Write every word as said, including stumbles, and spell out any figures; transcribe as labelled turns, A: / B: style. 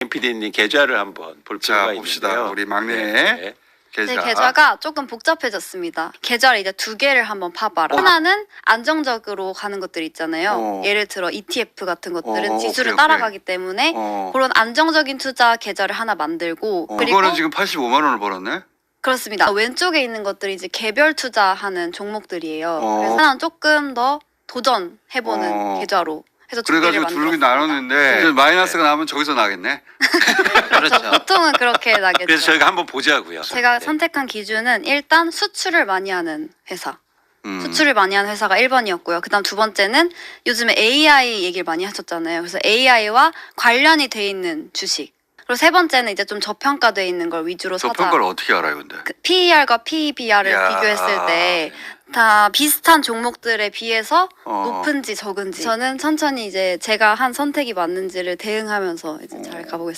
A: 피디님 계좌를 한번 볼 필요가
B: 자,
A: 있는데요.
B: 봅시다. 우리 막내
A: 네.
B: 계좌.
C: 네, 계좌가 조금 복잡해졌습니다. 계좌를 이제 두 개를 한번 파봐라.
B: 어.
C: 하나는 안정적으로 가는 것들 있잖아요.
B: 어.
C: 예를 들어 이티에프 같은 것들은
B: 어,
C: 지수를
B: 오케이,
C: 따라가기 때문에
B: 어.
C: 그런 안정적인 투자 계좌를 하나 만들고
B: 어,
C: 그리고
B: 그거는 지금 팔십오만 원을 벌었네.
C: 그렇습니다. 왼쪽에 있는 것들이 이제 개별 투자하는 종목들이에요.
B: 어.
C: 그래서 하나는 조금 더 도전해보는
B: 어.
C: 계좌로 해서 두 개를
B: 그래가지고 둘이
C: 만들었습니다.
B: 나눴는데 이제 마이너스가 나면 저기서 나겠네.
A: 그렇죠.
C: 보통은 그렇게 나겠죠.
A: 그래서 저희가 한번 보자고요.
C: 제가
A: 네.
C: 선택한 기준은 일단 수출을 많이 하는 회사.
B: 음.
C: 수출을 많이 하는 회사가 일 번이었고요. 그다음 두 번째는 요즘에 에이아이 얘기를 많이 하셨잖아요. 그래서 에이아이와 관련이 돼 있는 주식. 그리고 세 번째는 이제 좀 저평가돼 있는 걸 위주로
B: 저
C: 사자.
B: 평가를 어떻게 알아요, 근데?
C: 그 피이알과 피이비알을
B: 야.
C: 비교했을 때 다 비슷한 종목들에 비해서
B: 어.
C: 높은지 적은지 저는 천천히 이제 제가 한 선택이 맞는지를 대응하면서 이제 잘 가보겠습니다.